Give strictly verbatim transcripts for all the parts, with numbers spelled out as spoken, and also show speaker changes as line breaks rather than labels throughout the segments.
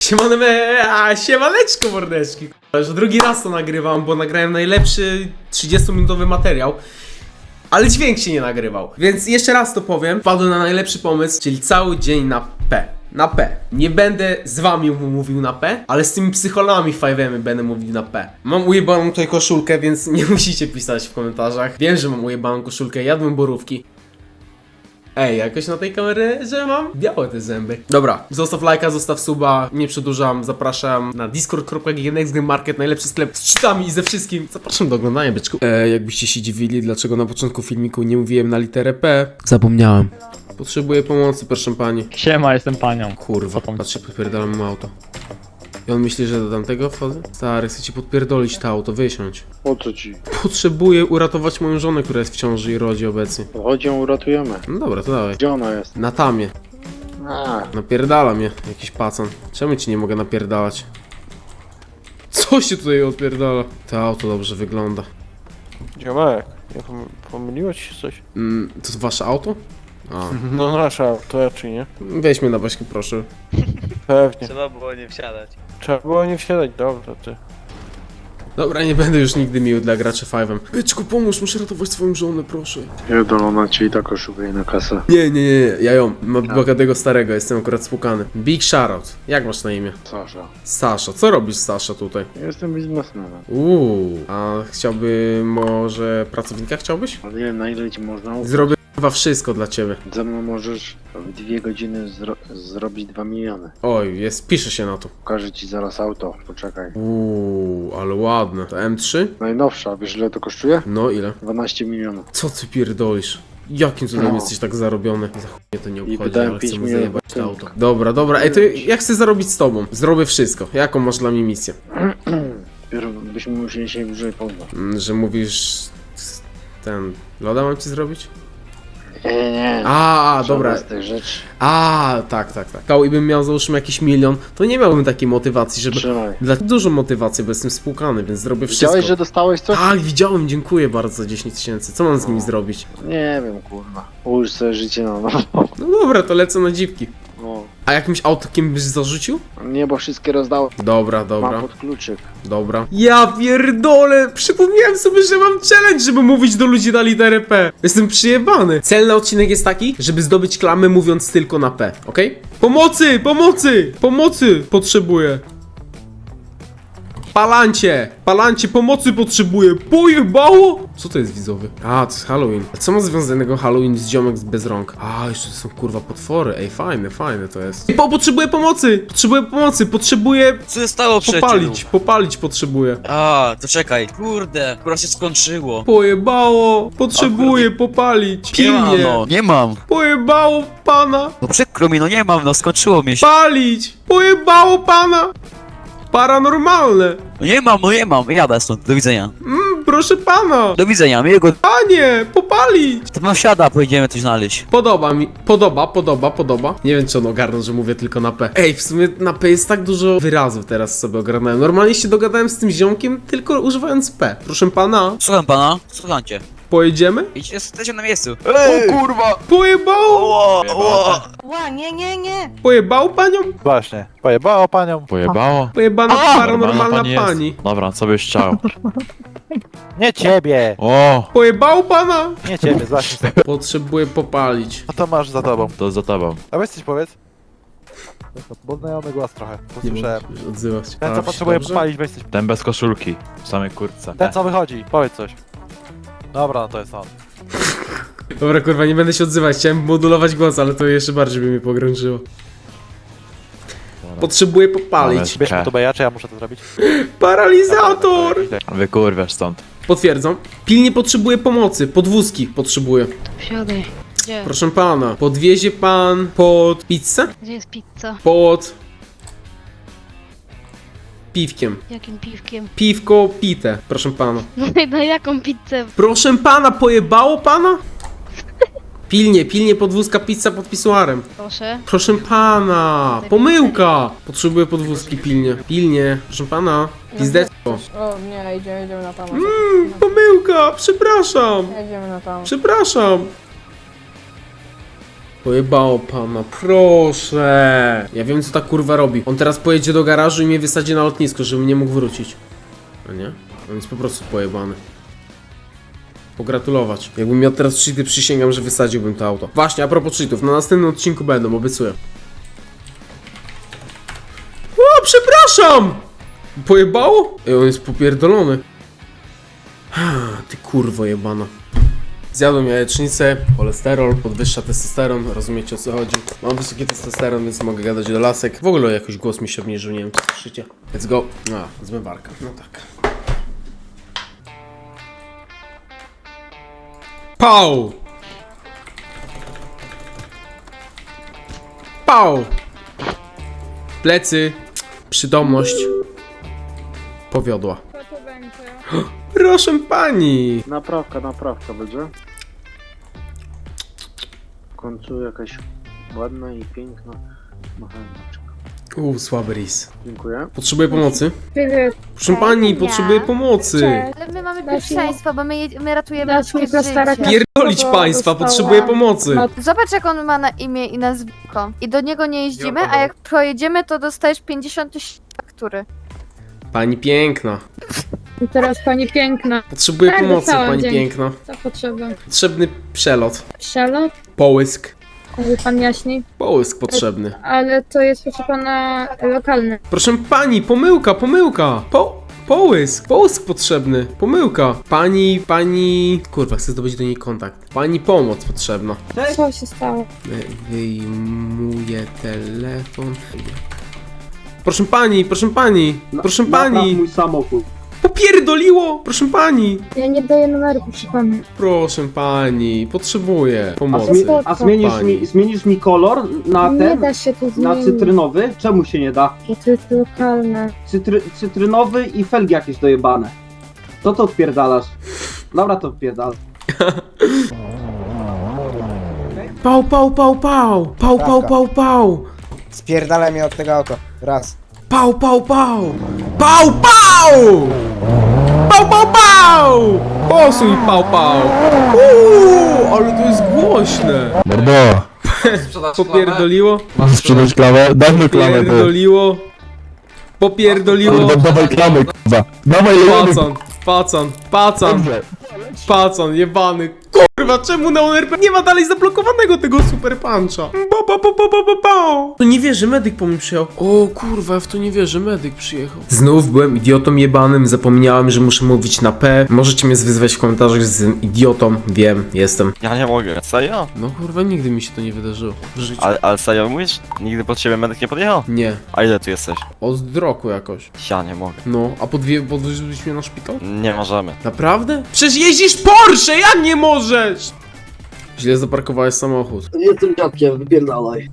Siemane, a siemaneczko mordeczki. Już drugi raz to nagrywam, bo nagrałem najlepszy trzydziestominutowy materiał. Ale dźwięk się nie nagrywał. Więc jeszcze raz to powiem. Wpadłem na najlepszy pomysł, czyli cały dzień na P. Na P. Nie będę z wami mówił na P, ale z tymi psycholami five'emy będę mówił na P. Mam ujebaną tutaj koszulkę, więc nie musicie pisać w komentarzach. Wiem, że mam ujebaną koszulkę, jadłem borówki. Ej, jakoś na tej kamerze, że mam białe te zęby. Dobra, zostaw lajka, zostaw suba, nie przedłużam, zapraszam na discord kropka g g next game market, najlepszy sklep z cheatami i ze wszystkim. Zapraszam do oglądania, byczku. E, jakbyście się dziwili, dlaczego na początku filmiku nie mówiłem na literę P, zapomniałem. Potrzebuję pomocy, proszę pani.
Siema, jestem panią.
Kurwa, patrzcie, podpierdalam mu auto. I on myśli, że do tamtego wchodzę? Stary, chcę ci podpierdolić to auto, wysiądź.
O co ci?
Potrzebuję uratować moją żonę, która jest w ciąży i rodzi obecnie.
Chodź ją uratujemy.
No dobra, to dawaj.
Gdzie ona jest?
Na tamie.
A,
Napierdala mnie jakiś pacan. Czemu ci nie mogę napierdalać? Co się tutaj odpierdala? To auto dobrze wygląda.
Ziomek, nie pom pomyliło ci się coś?
Mm, to jest wasze auto? A.
No nasza, to raczej nie.
Weź mnie na baśkę, proszę.
Pewnie.
Trzeba było nie wsiadać.
Trzeba było nie wsiadać, dobra ty.
Dobra, nie będę już nigdy miły dla graczy five'em. Byczku, pomóż, muszę ratować swoją żonę, proszę.
pierdolona cię i tak oszukuje na kasę.
Nie, nie, nie, nie, ja ją. Mam bogatego starego, jestem akurat spłukany. Big shoutout. Jak masz na imię?
Sasza.
Sasza. Co robisz, Sasza, tutaj?
Ja jestem biznesmenem.
Uuu, a chciałby może pracownika chciałbyś?
Ale nie, na ile ci można ufać?
Zrobię chyba wszystko dla ciebie.
Ze mną możesz w dwie godziny zro zrobić dwa miliony.
Oj, jest, pisze się na to.
Pokażę ci zaraz auto, poczekaj.
Uuu, ale ładne. To M trzy?
Najnowsza, wiesz ile to kosztuje?
No ile?
dwanaście milionów.
Co ty pierdolisz? Jakim cudem
No.
jesteś tak zarobiony? Za chuj mnie to nie obchodzi,
wydałem
ale chcę
pięć
mu
milionów
zajebać to
punktów.
auto. Dobra, dobra, ej, to ja chcę zarobić z tobą. Zrobię wszystko. Jaką masz dla mnie misję?
Dopiero byśmy musieli się bliżej poznać.
Mm, Że mówisz... Ten... Loda mam ci zrobić?
Nie, nie, nie.
A, a,
Żadna
dobra.
z tych rzeczy.
A, tak, tak, tak. Kał i bym miał załóżmy jakiś milion, to nie miałbym takiej motywacji, żeby...
Trzymaj.
Dla dużo motywacji, bo jestem spłukany, więc zrobię wszystko.
Widziałeś, że dostałeś coś?
Tak, widziałem, dziękuję bardzo za dziesięć tysięcy. Co mam z nimi zrobić?
Nie wiem, kurwa. Ułóż sobie życie na nowo.
No dobra, to lecę na dziwki.
No.
A jakimś autokiem byś zarzucił?
Nie, bo wszystkie rozdałem.
Dobra, dobra,
Mam pod kluczyk.
dobra. Ja pierdolę! Przypomniałem sobie, że mam challenge, żeby mówić do ludzi na literę P. Jestem przyjebany. Cel na odcinek jest taki, żeby zdobyć klamę mówiąc tylko na P, okej? Pomocy! Pomocy! Pomocy! Potrzebuję. Palancie! Palancie, pomocy potrzebuję! Pojebało! Co to jest widzowy? A, to jest Halloween. A co ma związanego Halloween z ziomek bez rąk? A, jeszcze to są kurwa potwory. Ej, fajne, fajne to jest. Po, potrzebuję pomocy! Potrzebuję pomocy! Potrzebuję
Co się stało przecież?
popalić, popalić potrzebuję.
A, to czekaj. Kurde, chyba się skończyło.
Pojebało! Potrzebuję popalić.
Nie mam,
Pilnie!
no, nie mam.
Pojebało pana!
No przykro mi, no nie mam, no skończyło mi się.
Palić! Pojebało pana! Paranormalne!
No nie mam, no nie mam. Jadę stąd, do widzenia.
Mm, proszę pana!
Do widzenia, miłego.
Panie! Popalić!
To mam siada, pojedziemy coś znaleźć.
Podoba mi, podoba, podoba, podoba. Nie wiem, czy on ogarnął, że mówię tylko na P. Ej, w sumie na P jest tak dużo wyrazów teraz sobie ogarnąłem. Normalnie się dogadałem z tym ziomkiem, tylko używając P. Proszę pana,
Słucham pana, słucham cię.
pojedziemy?
Idź, jesteśmy na miejscu.
O kurwa!
Pojebało!
Ło, ło.
Ła, nie, nie, nie!
Pojebało panią?
Właśnie, pojebało panią.
Pojebało?
Pojebana paranormalna
pani
pani.
jest. Dobra, co byś chciał?
Nie ciebie!
O,
Pojebało pana?
Nie ciebie, właśnie.
Potrzebuję popalić.
A to masz za tobą.
to za tobą.
A weź coś powiedz. Bo znajomy głos trochę,
Nie
posłyszałem.
możesz odzywać.
Ten
A,
co potrzebuje
dobrze?
popalić, weź coś.
Ten bez koszulki, w samej kurtce.
Ten co wychodzi, powiedz coś. Dobra, no to jest on.
Dobra, kurwa, nie będę się odzywać. Chciałem modulować głos, ale to jeszcze bardziej by mnie pogrążyło. Potrzebuję popalić.
Bierz mi to beja, czy ja muszę to zrobić?
Paralizator!
Wykurwiasz stąd.
Potwierdzam. Pilnie potrzebuję pomocy. Podwózki potrzebuję.
Wsiadaj. Gdzie?
Proszę pana, podwiezie pan pod pizzę?
Gdzie jest pizza?
Pod... piwkiem.
Jakim piwkiem?
Piwko pite, proszę pana.
No i na jaką pizzę?
Proszę pana, pojebało pana? Pilnie, pilnie podwózka pizza pod pisuarem.
Proszę.
Proszę pana, pomyłka! Potrzebuję podwózki pilnie. Pilnie, proszę pana. Pizdecko.
O nie, idziemy, idziemy na tam.
Mm, pomyłka, przepraszam.
Jedziemy na tam.
Przepraszam. Pojebało pana, proszę. Ja wiem co ta kurwa robi. On teraz pojedzie do garażu i mnie wysadzi na lotnisko, żebym nie mógł wrócić. No nie? On jest po prostu pojebany. Pogratulować. Jakbym miał teraz cheaty, przysięgam, że wysadziłbym to auto. Właśnie, a propos cheatów, na następnym odcinku będą, obiecuję. O, przepraszam! Pojebało? Ej, on jest popierdolony. Ty kurwo jebana. Zjadłem jajecznicę, cholesterol, podwyższa testosteron, rozumiecie o co chodzi. Mam wysoki testosteron, więc mogę gadać do lasek. W ogóle jakoś głos mi się obniżył, nie wiem czy słyszycie. Let's go. A, zmywarka, no tak. Pał! Pał! Plecy. Przytomność. Powiodła.
Co to będzie?
Proszę pani!
Naprawka, naprawka będzie. W końcu jakaś ładna i piękna mechaniczka.
Uuu, słaby ris.
Dziękuję.
Potrzebuję pomocy?
Привет.
Proszę pani, potrzebuję pomocy.
Cześć.
Ale my mamy
Dasz mi-
pierwszeństwo, bo my, je- my ratujemy
Dasz mi
ludzkie
postarać
życie.
na-
Pierdolić
Bo
państwa,
dostałam-
potrzebuję pomocy.
No,
Zobacz jak on ma na imię i nazwisko. I do niego nie jeździmy, a jak pojedziemy, to dostajesz pięćdziesiąt tysięcy faktury.
Pani piękna.
i teraz pani piękna.
Potrzebuję
Tak,
pomocy,
dostałam,
pani
dzięki.
piękna.
Co potrzeba?
Potrzebny przelot.
Przelot?
Połysk.
Mówi pan jaśniej.
Połysk potrzebny.
Ale to jest proszę pana lokalne.
Proszę pani, pomyłka, pomyłka. Po... Połysk, połysk potrzebny. Pomyłka. Pani, pani... Kurwa, chcę zdobyć do niej kontakt. Pani pomoc potrzebna.
Co się stało?
Wy- Wyjmuję telefon. Proszę pani, proszę pani, proszę pani.
mój samochód.
Popierdoliło, proszę pani.
Ja nie daję numeru, proszę pana.
Proszę pani, potrzebuję
A,
pomocy.
zmi a zmienisz,
Pani.
mi, zmienisz mi kolor na
Nie
ten,
da się tu
na
zmienić,
cytrynowy? Czemu się nie da?
bo to jest lokalne.
Cytry cytrynowy i felgi jakieś dojebane. To to odpierdalasz. Dobra, to odpierdalasz.
Pał, pał, pał, pał. Pał, pał, pał, pał.
Spierdalaj mnie od tego auta. Raz.
Pał, pał, pał. Pał, pał. Pał, pał, pał. Posuń, pał, pał. Uuu, ale to jest głośne.
Mordo,
Popierdoliło.
masz sprzedać klamę? Daj mi klamę, ty.
Popierdoliło. Popierdoliło.
Kurwa, dawaj klamę, kurwa. Dawaj lejemy.
Pacan, pacan, pacan.
Dobrze.
Pacan, jebany. Kurwa, czemu na R P nie ma dalej zablokowanego tego super puncha? Ba, ba, ba, ba, ba, ba, ba. To nie wierzę, medyk po mnie przyjechał. O kurwa, ja w to nie wierzę, medyk przyjechał. Znów byłem idiotą jebanym, zapomniałem, że muszę mówić na P. Możecie mnie wyzwać w komentarzach, że jestem idiotą. Wiem, jestem.
Ja nie mogę. Serio?
No kurwa, nigdy mi się to nie wydarzyło w życiu.
Ale, ale serio mówisz? Nigdy pod ciebie medyk nie podjechał?
Nie,
A ile tu jesteś?
od roku jakoś.
Ja nie mogę.
No, a podwie, podwoziłeś mnie na szpital?
Nie możemy.
Naprawdę? Przecież jeździsz Porsche, jak nie możesz? Źle zaparkowałeś samochód.
Jestem dziadkiem, wypierdalaj.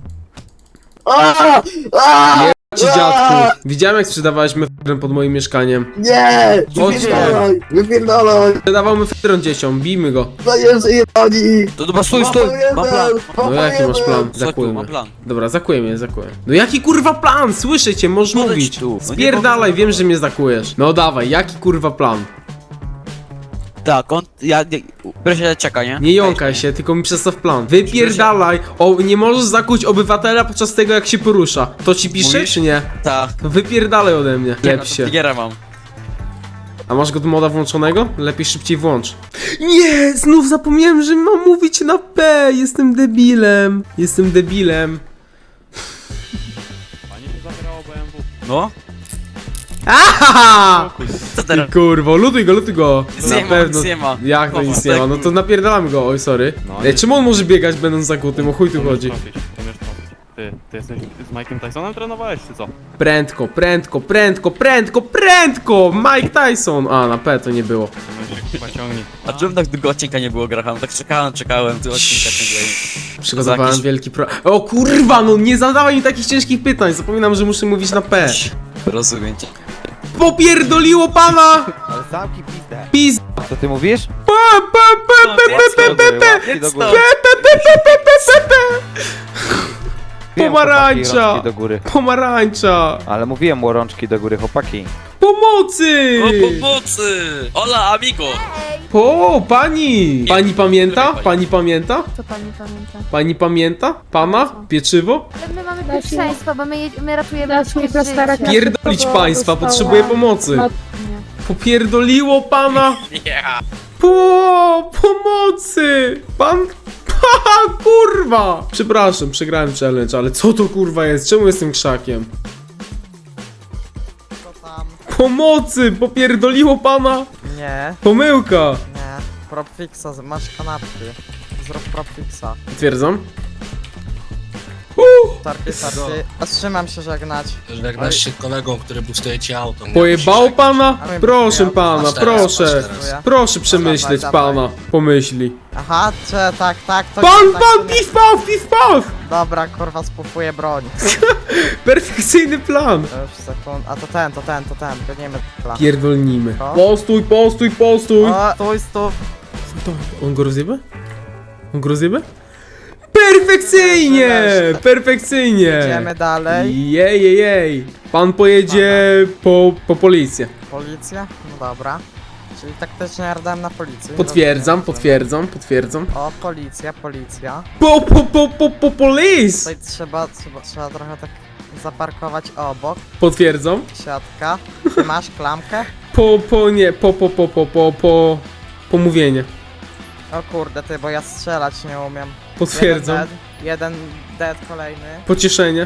Ci dziadku, widziałem jak sprzedawałeś mefedron pod moim mieszkaniem.
Nie!
Chodź
Wypierdalaj! Wypierdalaj!
Sprzedawał mefedron dzieciom, bijmy go.
Zajeżdżę jebani!
To dobra, stój, stój! Mam plan!
No jaki masz plan?
Stój tu,
Zakujemy.
mam plan.
Dobra, zakuję mnie, zakuję. No jaki kurwa plan? Słyszę cię, możesz
Podejdź
mówić.
tu. No nie
Spierdalaj,
powiem.
wiem, że mnie zakujesz. No dawaj, jaki kurwa plan?
Tak, on... Ja... Nie, proszę, czeka, nie?
Nie jąkaj się, tylko mi przedstaw plan. Wypierdalaj! O, nie możesz zakuć obywatela podczas tego jak się porusza. To ci pisze,
Mówisz?
czy nie?
Tak.
To wypierdalaj ode mnie. Lep się.
Figera mam.
A masz go do moda włączonego? Lepiej szybciej włącz. Nie, znów zapomniałem, że mam mówić na P. Jestem debilem. Jestem debilem.
No?
Aha!
Co
Ty
teraz?
kurwo, lutuj go, lutuj go.
Nic
Na
nie ma,
pewno.
nic nie ma.
Jak to
No,
nic nie ma?
tak.
No to napierdalamy go, oj sorry. Ej, czemu on może biegać będąc zakutym? O chuj tu chodzi.
Ty, ty jesteś z Mike'em Tysonem trenowałeś, czy co?
Prędko, prędko, prędko, prędko, prędko! Mike Tyson! A, na P to nie było.
Pociągnij.
A czemu tak długo odcinka nie było, Graham? Tak czekałem, czekałem, tu odcinka ciągle.
Przygotowałem
jakiś-
wielki pro... O kurwa, no nie zadawaj mi takich ciężkich pytań. Zapominam, że muszę mówić na P.
Rozumiem cię.
Popierdoliło pana!
Ale zamki pizdę.
Pis...
Co ty mówisz?
P, p, p, p, p, p, p, p.
Jedz
góry.
stąd.
Pomarańcza!
do góry.
Pomarańcza!
Ale mówiłem mu rączki do góry, chłopaki.
Po Pomocy!
pomocy! Hola, amigo!
O, pani! Pani pamięta? Pani pamięta?
Co pani pamięta?
Pani pamięta? Pana? Pieczywo?
Ale my mamy
Dasz mi-
pierwszeństwo, bo my, je- my ratujemy
Dasz mi
ludzkie
plastara,
życie.
ja
Pierdolić
szybko go
państwa,
dostałam.
potrzebuję pomocy.
No,
Nie.
Popierdoliło pana! Po pomocy! Pan... Ha, kurwa! Przepraszam, przegrałem challenge, ale co to kurwa jest? Czemu jestem krzakiem? Pomocy! Popierdoliło pana!
Nie,
Pomyłka!
nie. Propfixa, masz kanapki. Zrób propfixa.
Potwierdzam. Uh,
Tarty, tarty. Zatrzymam się żegnać.
Żegnasz się kolegą, który bustuje ci auto.
pojebało pana?
Ale
Proszę
ja-
pana,
Masz teraz,
proszę.
masz teraz.
Proszę przemyśleć
dawaj, dawaj.
pana. Pomyśli.
Aha, czy tak, tak, to
Pan,
nie, tak, to
pan,
nie-
piw paw, piw paw!
Dobra, kurwa, spufuję broń.
Perfekcyjny plan.
To już sekund. A to ten, to ten, to ten. Gonimy dla.
Pierdolnimy.
Co?
Postój, postój, postój!
O, stój, stój.
To, on go rozjebie? On go rozjebie? Perfekcyjnie! Perfekcyjnie!
Idziemy dalej.
Jej, jej, jej. Pan pojedzie po, po policję.
Policja? No dobra. Czyli taktycznie rdem na policję.
Potwierdzam,
Rozumiem,
potwierdzam, potwierdzam.
rozumiem. O, policja, policja.
Po, po, po, po, po police!
Tutaj trzeba, trzeba, trzeba trochę tak zaparkować obok.
Potwierdzam.
Siatka. Ty masz klamkę?
Po, po, nie, po, po, po, po, po, po, pomówienie.
O kurde, ty, bo ja strzelać nie umiem.
Potwierdzam.
Jeden dead, jeden dead kolejny.
Pocieszenie.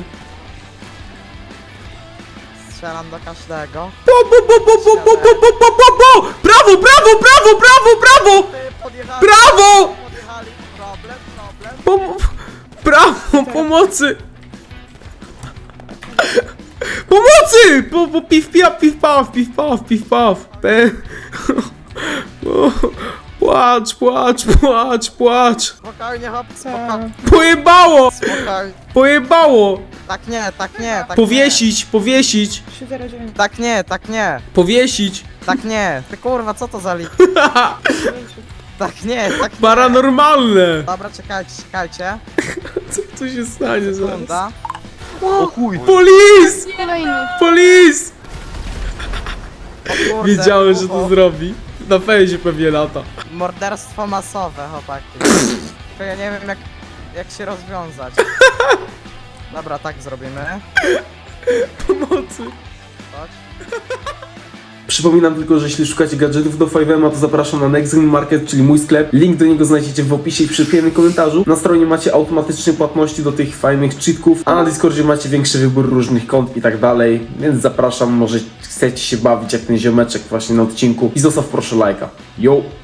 Strzelam do każdego.
Po, po, po, po, po, po, po, po, po, po, po! Brawo, brawo, brawo, brawo, brawo!
Ty, podjechali,
Brawo!
podjechali. Problem, problem.
Pom brawo, pomocy! Pomocy! Po, po, piw, piw, piw, paw, piw, paw, piw, paw. Pe... O, płacz, płacz, płacz, płacz.
Spokojnie, hop, spokojnie.
Pojebało!
Spokojnie.
Pojebało!
Tak nie, tak nie, tak
Powiesić, powiesić,
nie. Tak nie, tak nie,
powiesić.
tak nie. Ty kurwa, co to za lik? Tak nie, tak nie.
Paranormalne!
Dobra, czekajcie, czekajcie.
Co tu się stanie zaraz?
Sekunda.
O chuj!
Police!
Kolejny.
Police!
O kurde,
Wiedziałem, że
o,
to
o.
zrobi. Na fejsie pewnie lata.
Morderstwo masowe, chłopaki. To ja nie wiem jak, jak się rozwiązać. Dobra, tak zrobimy.
Pomocy.
Chodź.
Przypominam tylko, że jeśli szukacie gadżetów do five M, to zapraszam na Next Green Market, czyli mój sklep. Link do niego znajdziecie w opisie i przy pierwszym komentarzu. Na stronie macie automatyczne płatności do tych fajnych cheatków, a na Discordzie macie większy wybór różnych kont i tak dalej. Więc zapraszam, może chcecie się bawić jak ten ziomeczek właśnie na odcinku i zostaw proszę lajka. Yo!